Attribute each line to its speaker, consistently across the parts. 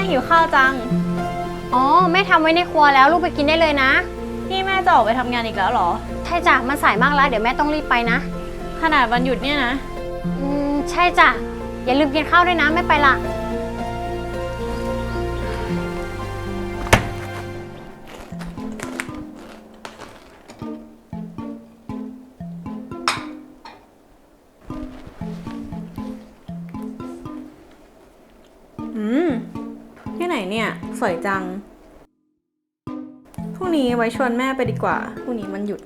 Speaker 1: หิวข้าวจัง
Speaker 2: อ๋อแม่ทำไว้ในครัวแล้วลูกไปกินได้เลยนะ
Speaker 1: นี่แม่จะออกไปทำงานอีกแล้วเหรอ
Speaker 2: ใช่จ้ะมันสายมากแล้วเดี๋ยวแม่ต้องรีบไปนะ
Speaker 1: ขนาดวันหยุดเนี่ยนะ
Speaker 2: ใช่จ้ะอย่าลืมกินข้าวด้วยนะไม่ไปละ
Speaker 1: ที่ไหนเนี่ยสวยจังพรุ่งนี้ไว้ชวนแม่ไปดีกว่าพรุ่งนี้มันหยุด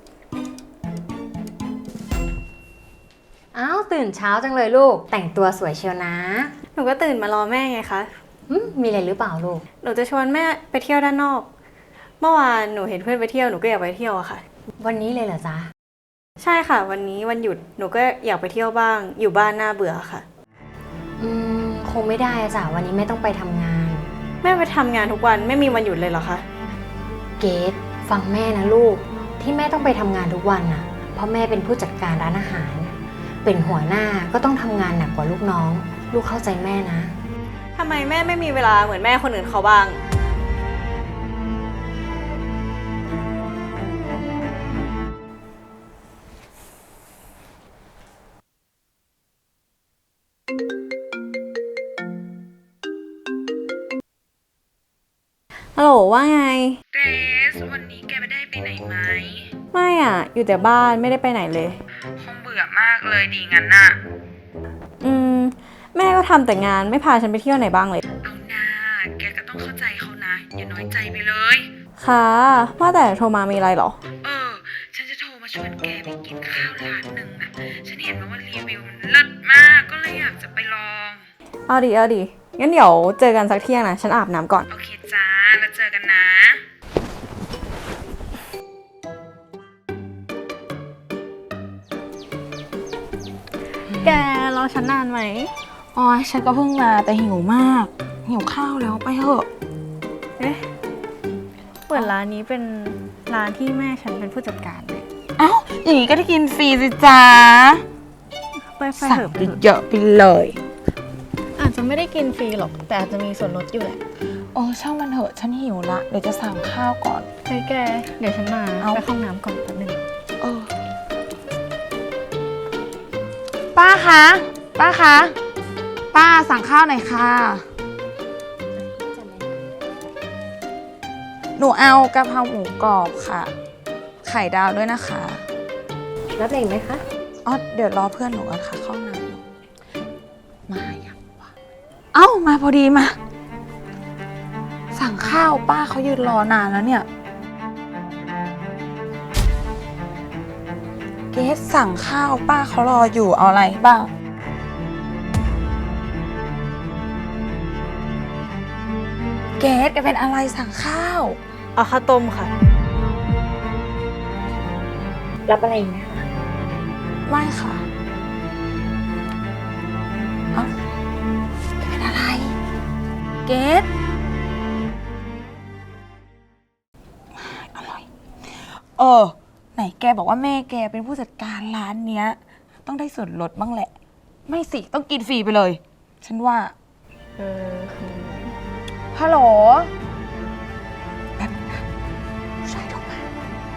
Speaker 2: อ้าวตื่นเช้าจังเลยลูกแต่งตัวสวยเชียวนะ
Speaker 1: หนูก็ตื่นมารอแม่ไงคะ
Speaker 2: มีอะไรหรือเปล่าลูก
Speaker 1: หนูจะชวนแม่ไปเที่ยวด้านนอกเมื่อวานหนูเห็นเพื่อนไปเที่ยวหนูก็อยากไปเที่ยวอะค่ะ
Speaker 2: วันนี้เลยเหรอจ๊ะ
Speaker 1: ใช่ค่ะวันนี้วันหยุดหนูก็อยากไปเที่ยวบ้างอยู่บ้านน่าเบื่อค่ะ
Speaker 2: คงไม่ได้จ้ะวันนี้แม่ต้องไปทำงาน
Speaker 1: แม่ไปทำงานทุกวันไม่มีวันหยุดเลยเหรอคะ
Speaker 2: เกดฟังแม่นะลูกที่แม่ต้องไปทำงานทุกวันน่ะเพราะแม่เป็นผู้จัดการร้านอาหารเป็นหัวหน้าก็ต้องทำงานหนักกว่าลูกน้องลูกเข้าใจแม่นะ
Speaker 1: ทำไมแม่ไม่มีเวลาเหมือนแม่คนอื่นเขาบ้างฮัลโหลว่าไง
Speaker 3: เกรซวันนี้แกไม่ได้ไปไหนไหม
Speaker 1: ไม่อ่ะอยู่แต่บ้านไม่ได้ไปไหนเลย
Speaker 3: คงเบื่อมากเลยดีงั้นน่ะ
Speaker 1: แม่ก็ทำแต่งานไม่พาฉันไปเที่ยวไหนบ้างเลย
Speaker 3: เอาหน้าแกก็ต้องเข้าใจเขานะอย่าน้อยใจไปเลย
Speaker 1: ค่ะว่าแต่โทรมามีอะไรหรอ
Speaker 3: ฉันจะโทรมาชวนแกไปกินข้าวร้านหนึ่งน่ะฉันเห็นว่ารีวิวมันเลิศมากก็เลยอยากจะไปลอง
Speaker 1: เอาดิงั้นเดี๋ยวเจอกันสักเที่ยงนะฉันอาบน้ำก่อน
Speaker 3: โอเคจ้าแล้วเจอกันนะ
Speaker 1: แกรอฉันนานไหม
Speaker 4: อ๋อฉันก็เพิ่งมาแต่หิวมากหิวข้าวแล้วไปเถอะ
Speaker 1: เปิดร้านนี้เป็นร้านที่แม่ฉันเป็นผู้จัดการเลย
Speaker 4: เอ้าอย่างนี้ก็ได้กินฟรีสิจ้า
Speaker 1: ไปเถอะ
Speaker 4: เยอะไปเลย
Speaker 1: อาจจะไม่ได้กินฟรีหรอกแต่อาจจะมีส่วนลดอยู่แหละ
Speaker 4: ช่างมันเถอะฉันหิวละเดี๋ยวจะสั่งข้าวก่อน
Speaker 1: เฮ้ยแกเดี๋ยวฉันมาไปเข้าห้องน้ำก่อนแป๊บนึง
Speaker 4: ป้าคะป้าสั่งข้าวหน่อยค่ะหนูเอากะเพราหมูกรอบค่ะไข่ดาวด้วยนะคะ
Speaker 2: รับอะไรไหมคะ
Speaker 4: เดี๋ยวรอเพื่อนหนูก่อนค่ะเข้าน้ำมาอย่างวะมาพอดีมาสั่งข้าวป้าเขายืนรอนานแล้วเนี่ยเกสสั่งข้าวป้าเขารออยู่เอาอะไรบ้างเกสแกเป็นอะไรสั่งข้าว
Speaker 1: เอาข้าวต้มค่ะ
Speaker 2: รับอะไรไหมคะ
Speaker 4: ไม่ค่ะแกเป็นอะไรเกสอร่อยไหนแกบอกว่าแม่แกเป็นผู้จัดการร้านเนี้ยต้องได้ส่วนลดบ้างแหละไม่สิต้องกินฟรีไปเลยฉันว่าฮัลโหลแบบผู้ชายโทรมา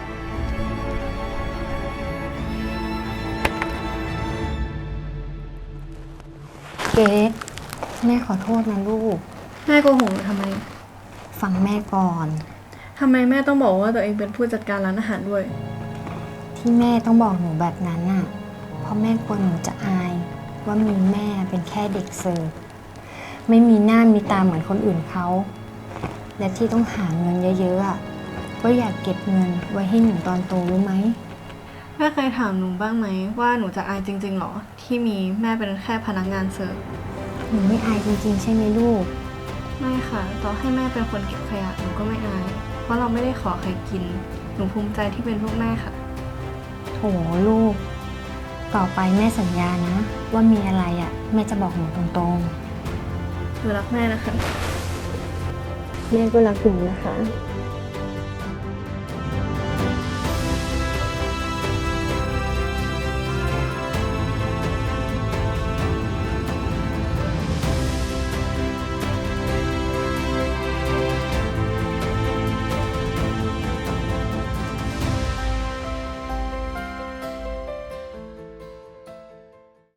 Speaker 2: เกดแม่ขอโทษนะลูก
Speaker 1: แม่โกหกทำไม
Speaker 2: ฟังแม่ก่อน
Speaker 1: ทำไมแม่ต้องบอกว่าตัวเองเป็นผู้จัดการร้านอาหารด้วย
Speaker 2: ที่แม่ต้องบอกหนูแบบนั้นน่ะเพราะแม่กลัวหนูจะอายว่ามีแม่เป็นแค่เด็กเสิร์ฟไม่มีหน้ามีตาเหมือนคนอื่นเขาและที่ต้องหาเงินเยอะๆอ่ะก็อยากเก็บเงินไว้ให้หนูตอนโตรู้ไหม
Speaker 1: แม่เคยถามหนูบ้างไหมว่าหนูจะอายจริงๆหรอที่มีแม่เป็นแค่พนักงานเสิร์ฟ
Speaker 2: หนูไม่อายจริงๆใช่ไหมลูก
Speaker 1: ไม่ค่ะต่อให้แม่เป็นคนเก็บขยะหนูก็ไม่อายเพราะเราไม่ได้ขอใครกินหนูภูมิใจที่เป็นลูกแม่ค่ะ
Speaker 2: โถลูกต่อไปแม่สัญญานะว่ามีอะไรอ่ะแม่จะบอกหนูตรง
Speaker 1: ๆหนูรักแม่นะคะ
Speaker 2: แม่ก็รักหนูนะคะ